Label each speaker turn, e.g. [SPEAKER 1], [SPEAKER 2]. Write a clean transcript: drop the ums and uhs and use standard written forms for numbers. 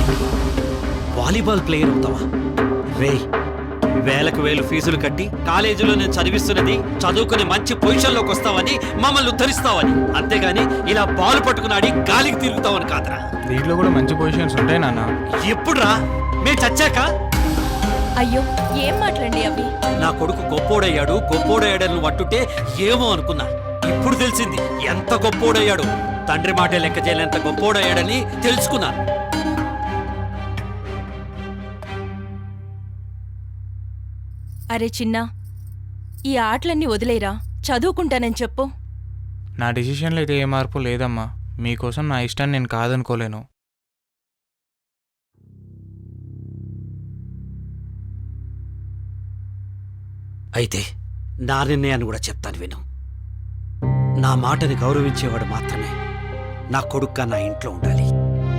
[SPEAKER 1] Volleyball player అవుతావా? రే, వేలకు వేలు ఫీజులు కట్టి కాలేజీలో నేను చదివిస్తున్నది చదువుకుని మంచి పొజిషన్లోకి వస్తావని, మమ్మల్ని ఉద్ధరిస్తావని, అంతేగాని ఇలా బాల్ పట్టుకున్నాడి గాలికి తిరుగుతావని కాదురా.
[SPEAKER 2] దీంట్లో కూడా మంచి పొజిషన్స్ ఉంటాయి నాన్న.
[SPEAKER 1] ఎప్పుడురా? మేము చచ్చాక?
[SPEAKER 3] అయ్యో ఏం మాట్లాడండి అవి.
[SPEAKER 1] నా కొడుకు గొప్పోడయ్యాడని వట్టుంటే ఏమో అనుకున్నా. ఇప్పుడు తెలిసింది ఎంత గొప్పోడయ్యాడు. తండ్రి మాటే లెక్క చేయలేంత గొప్పోడయ్యాడని తెలుసుకున్నాను.
[SPEAKER 3] అరే చిన్నా, ఈ ఆటలన్నీ వదిలేరా, చదువుకుంటానని చెప్పు.
[SPEAKER 2] నా డిసిషన్లో అయితే ఏ మార్పు లేదమ్మా. మీకోసం నా ఇష్టాన్ని నేను కాదనుకోలేను.
[SPEAKER 1] అయితే నా నిర్ణయాన్ని కూడా చెప్తాను విను. నా మాటని గౌరవించేవాడు మాత్రమే నా కొడుగ్గా నా ఇంట్లో ఉండాలి.